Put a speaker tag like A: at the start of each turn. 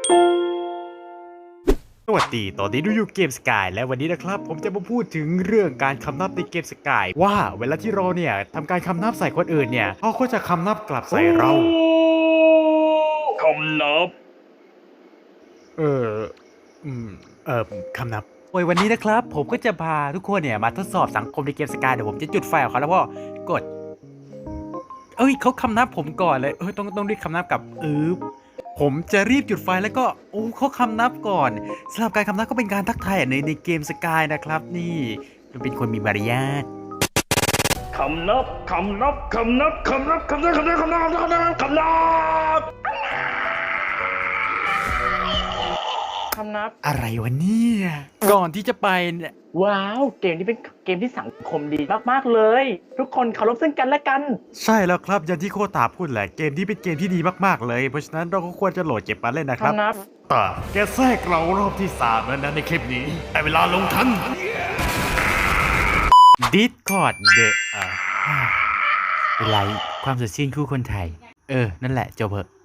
A: สวัสดีตอนนี้ดูอยู่เกมสกายและวันนี้นะครับผมจะมาพูดถึงเรื่องการคำนับในเกมสกายว่าเวลาที่เราเนี่ยทำการคำนับใส่คนอื่นเนี่ยเขาก็จะคำนับกลับใส่เรา
B: คำนับ
A: เอออืมคำนับโอ้ยวันนี้นะครับผมก็จะพาทุกคนเนี่ยมาทดสอบสังคมในเกมสกายเดี๋ยวผมจะจุดไฟของเขาแล้วก็กดเขาคำนับผมก่อนเลยต้องรีบคำนับกับผมจะรีบจุดไฟแล้วก็เขาคำนับก่อนสำหรับการคำนับก็เป็นการทักทายในเกมสกายนะครับนี่มันเป็นคนมีมารยาท
B: คำนับคำนับคำนับคำนับคำนับคำนับคำนับคำนับคำนับคำนับ
A: อะไรวะเนี่ยก่อนที่จะไปเนี่ย
B: ว้าวเกมนี้เป็นเกมที่สังคมดีมากๆเลย ทุกคนเคารพซึ่งกันและกัน
A: ใช่แล้วครับอย่างที่โคตาพูดแหละเกมที่เป็นเกมที่ดีมากๆเลยเพราะฉะนั้นเราก็ควรจะโหลดเก็บมาเล่นนะครับ
B: คำนับ
A: แต่แกแทรกเรารอบที่3แล้วนะในคลิปนี้แต่เวลาลงทัน Discord เป็นไรความสดชื่นคู่คนไทยนั่นแหละจบเหอะ